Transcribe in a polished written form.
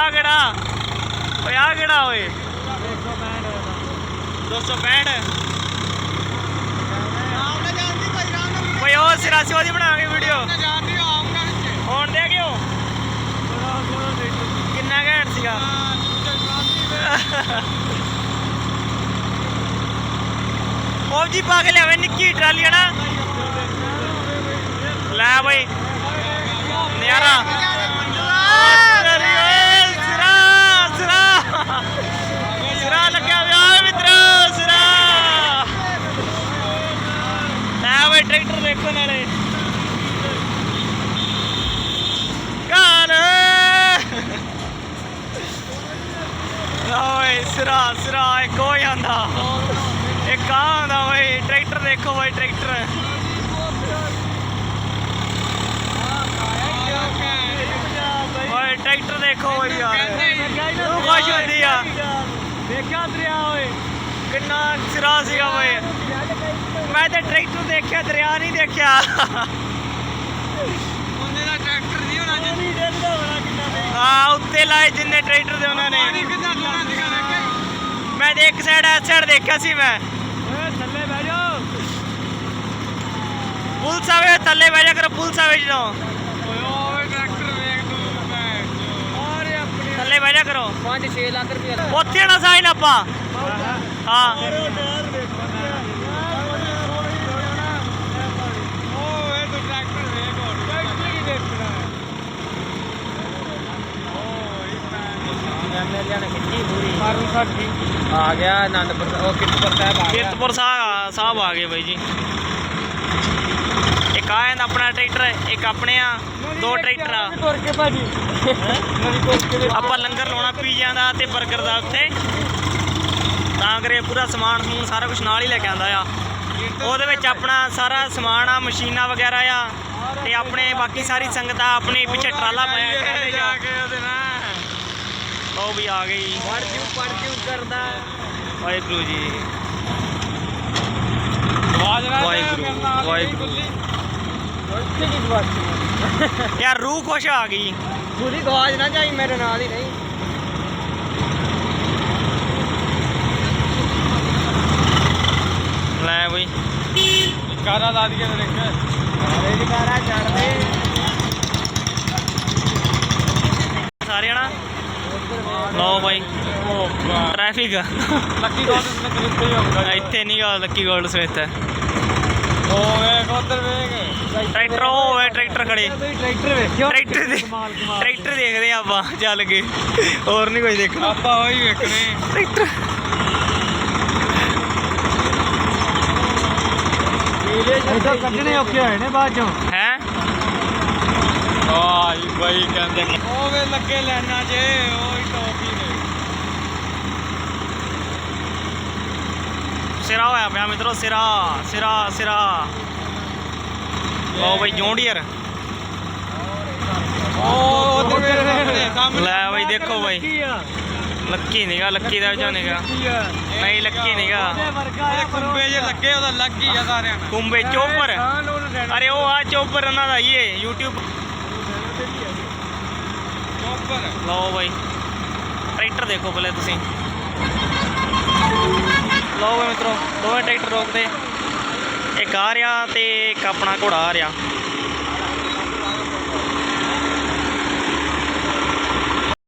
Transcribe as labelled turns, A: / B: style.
A: ਕਿਹੜਾ ਓਏ ਆ ਕਿਹੜਾ ਓਏ 265 ਓਏ ਉਹ ਸਿਰਾਸੀ ਵਾਲੀ ਬਣਾਵਾਂਗੇ ਵੀਡੀਓ ਹੁਣ ਦੇ ਕਿਉਂ ਕਿੰਨਾ ਘੈਂਟ ਸੀਗਾ ਫੌਜੀ ਪਾ ਕੇ ਲਿਆਵੇ ਨਿੱਕੀ ਟਰਾਲੀ ਨਾ ਲੈ ਬਈ ਨਿਆਰਾ ਸਿਰਾ ਲੱਗਿਆ ਵਿਆਹ ਮਿੱਤਰੋ ਸਿਰਾ ਲੈ ਬਈ ਟਰੈਕਟਰ ਦੇਖੋ ਨਾਲੇ ਓਏ ਸਿਰਾ ਇੱਕ ਹੋ ਜਾਂਦਾ ਇੱਕ ਆ ਹੁੰਦਾ ਬਈ ਟਰੈਕਟਰ ਦੇਖੋ ਬਈ ਟਰੈਕਟਰ ਓਏ ਟਰੈਕਟਰ ਦੇਖੋ ਬਈ ਯਾਰ ਤੂੰ ਖੁਸ਼ ਹੁੰਦੀ ਆ ਦੇਖਿਆ ਦਰਿਆ ਓਏ ਕਿੰਨਾ ਸਿਰਾ ਸੀਗਾ ਬਈ ਮੈਂ ਤੇ ਟਰੈਕਟਰ ਦੇਖਿਆ ਦਰਿਆ ਨਹੀਂ ਦੇਖਿਆ ਉਹਨੇ ਦਾ ਟਰੈਕਟਰ ਨਹੀਂ ਹੋਣਾ ਹਾਂ ਉੱਤੇ ਲਾਏ ਜਿੰਨੇ ਟਰੈਕਟਰ ਦੇ ਉਹਨਾਂ ਨੇ ਮੈਂ ਤੇ ਇੱਕ ਸਾਈਡ ਇਸ ਸਾਈਡ ਦੇਖਿਆ ਸੀ ਮੈਂ ਥੱਲੇ ਬਹਿ ਜਾਓ ਪੁਲਿਸ ਆਵੇ ਥੱਲੇ ਬਹਿ ਜਾ ਕਰੋ ਪੁਲਿਸ ਆਵੇ ਜਦੋਂ ਥੱਲੇ ਬਹਿ ਜਾ ਕਰੋ 5-6 ਲੱਖ ਰੁਪਏ ਉੱਥੇ ਨਾ ਸਾਈਨ ਆਪਾਂ ਹਾਂ आ गया आनंदपुर कीरतपुर साहब आ गए भाई जी एक आ अपना ट्रैक्टर एक अपने दो ट्रैक्टर आप लंगर लाना पीजिया का ते बर्गर का उत्थे तां करे पूरा समान समून सारा कुछ नाल ही लेके आंदा आ ਉਹਦੇ ਵਿੱਚ ਆਪਣਾ ਸਾਰਾ ਸਮਾਨ ਆ ਮਸ਼ੀਨਾਂ ਵਗੈਰਾ ਆ ਤੇ ਆਪਣੇ ਬਾਕੀ ਸਾਰੀ ਸੰਗਤ ਆ ਆਪਣੇ ਪਿੱਛੇ ਟਰਾਲਾ ਪਾਇਆ ਜਾ ਕੇ ਉਹਦੇ ਨਾਲ ਉਹ ਵੀ ਆ ਗਈ ਪੜ੍ਹ ਕਰਦਾ ਵਾਹਿਗੁਰੂ ਜੀ ਵਾਹਿਗੁਰੂ ਯਾਰ ਰੂਹ ਖੁਸ਼ ਆ ਗਈ ਪੂਰੀ ਗਵਾਜ ਨਾ ਜਾਈ ਮੇਰੇ ਨਾਲ ਹੀ ਨਹੀਂ ਲੈ ਬਈ ਕਾਰਾ ਲਾ ਦਈਏ ਤੇ ਦੇਖ ਅਰੇ ਕਾਰਾ ਛੱਡ ਦੇ ਸਾਰੇ ਨਾ ਲਓ ਬਾਈ ਟ੍ਰੈਫਿਕ ਲੱਕੀ ਗੋਲਡ ਸਮਿਥ ਇੱਥੇ ਹੀ ਹੋਊਗਾ ਇੱਥੇ ਨਹੀਂ ਗਾ ਲੱਕੀ ਗੋਲਡ ਸਮਿਥ ਓਏ ਉਧਰ ਵੇਖ ਟਰੈਕਟਰ ਓਏ ਟਰੈਕਟਰ ਖੜੇ ਟਰੈਕਟਰ ਵੇਖਿਓ ਟਰੈਕਟਰ ਦੇਖਦੇ ਆਪਾਂ ਚੱਲ ਕੇ ਹੋਰ ਨਹੀਂ ਕੁਝ ਦੇਖਣਾ ਆਪਾਂ ਉਹੀ ਵੇਖਣੇ ਟਰੈਕਟਰ ਇਹਦਾ ਕੱਢਣੇ ਔਖੇ ਹੋਏ ਨੇ ਬਾਅਦ ਚੋਂ ਹੈ ਆਹ ਬਾਈ ਕਹਿੰਦੇ ਉਹ ਵੇ ਲੱਗੇ ਲੈਣਾ ਜੇ ਉਹ ਹੀ ਟੌਪ ਹੀ ਨੇ ਸਿਰਾ ਹੋਇਆ ਪਿਆ ਮਿੱਤਰੋ ਸਿਰਾ ਉਹ ਬਈ ਜੌਂਡੀਅਰ ਉਹ ਲੈ ਬਈ ਦੇਖੋ ਬਈ ਲੱਕੀ ਨੀਗਾ ਲੱਕੀ ਦਾ ਵਿੱਚੋਂ ਨੀਗਾ ਨਹੀਂ ਲੱਕੀ ਨੀਗਾ ਕੁੰਬੇ ਜੇ ਲੱਗੇ ਉਹਦਾ ਲੱਗ ਹੀ ਆ ਸਾਰਿਆਂ ਨਾਲ ਕੁੰਬੇ ਚੋਪਰ ਅਰੇ ਉਹ ਆ ਚੋਪਰ ਉਹਨਾਂ ਦਾ ਹੀ ਹੈ YouTube ਲਓ ਬਾਈ ਟਰੈਕਟਰ ਦੇਖੋ ਪਹਿਲੇ ਤੁਸੀਂ ਲਓ ਬਈ ਮਿੱਤਰੋ ਦੋਵੇਂ ਟਰੈਕਟਰ ਰੋਕਦੇ ਇੱਕ ਆ ਰਿਹਾ ਤੇ ਇੱਕ ਆਪਣਾ ਘੋੜਾ ਆ ਰਿਹਾ